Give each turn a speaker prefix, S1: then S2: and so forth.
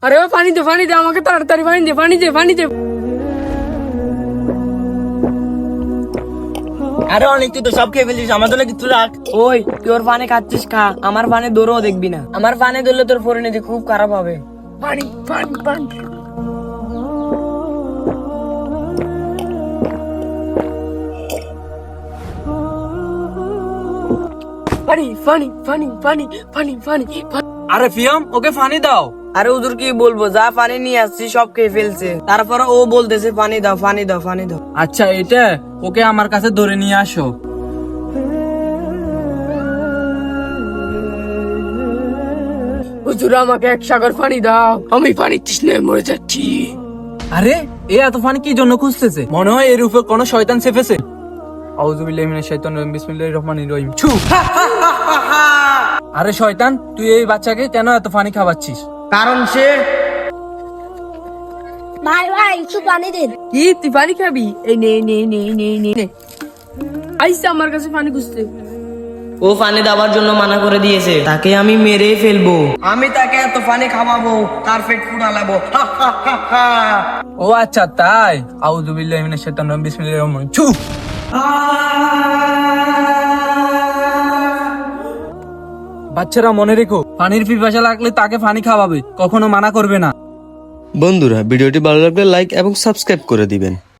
S1: আরে ও পানি দে আমাকে তাড়াতাড়ি পানি দে।
S2: আরে অনেক তুই তো সব খেয়ে ফেলিস, আমার জন্য কিছু রাখ।
S1: ওই তুই ওর পানি খাচ্ছিস খা, আমার পানি দৌড়ও দেখবি না। আমার পানি ধরলে তোর পরিণতি খুব খারাপ হবে। পানি। পানি।
S3: আরে ফিয়াম, ওকে পানি দাও।
S1: আরে হুজুর কি বলবো, যা পানি নিয়ে আসছি সব খেয়ে ফেলছে, তারপর ও বলতেছে পানি দাও।
S3: আচ্ছা, এটা ওকে আমার কাছে ধরে নিয়ে আসো।
S1: হুজুর আমাকে এক সাগর পানি দাও, আমি পানি তৃষ্ণায় মরে যাচ্ছি।
S3: আরে এ এত পানি কি জন্য খুঁজতেছে? মনে হয় এর উপর কোনো শয়তান চেপেছে। আউযুবিল্লাহি মিনাশ শাইতানির রাজিম, বিসমিল্লাহির রহমানির রহিম। ছু! আরে শয়তান, তুই এই বাচ্চাকে কেন এত পানি খাওয়াচ্ছিস?
S2: কারণ সে
S4: ভাই একটু পানি দিন।
S1: কি তুই পানি খাবি? এই নে। আইসা আমার কাছে পানি খুঁজতে।
S2: ও পানি দেওয়ার জন্য মানা করে দিয়েছে, তাকে আমি মেরে ফেলবো। আমি তাকে এত পানি খাওয়াবো, তার পেট ফুটালাবো।
S3: ও আচ্ছা তাই। আউযুবিল্লাহি মিনাশ শাইতানির রাজিম, বিসমিল্লাহির রহমানির রহিম। ছু! বাচ্চারা মনে রেখো, পানির পিপাসা লাগলে তাকে পানি খাওয়াবে, কখনো মানা করবে না।
S5: বন্ধুরা, ভিডিওটি ভালো লাগলে লাইক এবং সাবস্ক্রাইব করে দিবেন।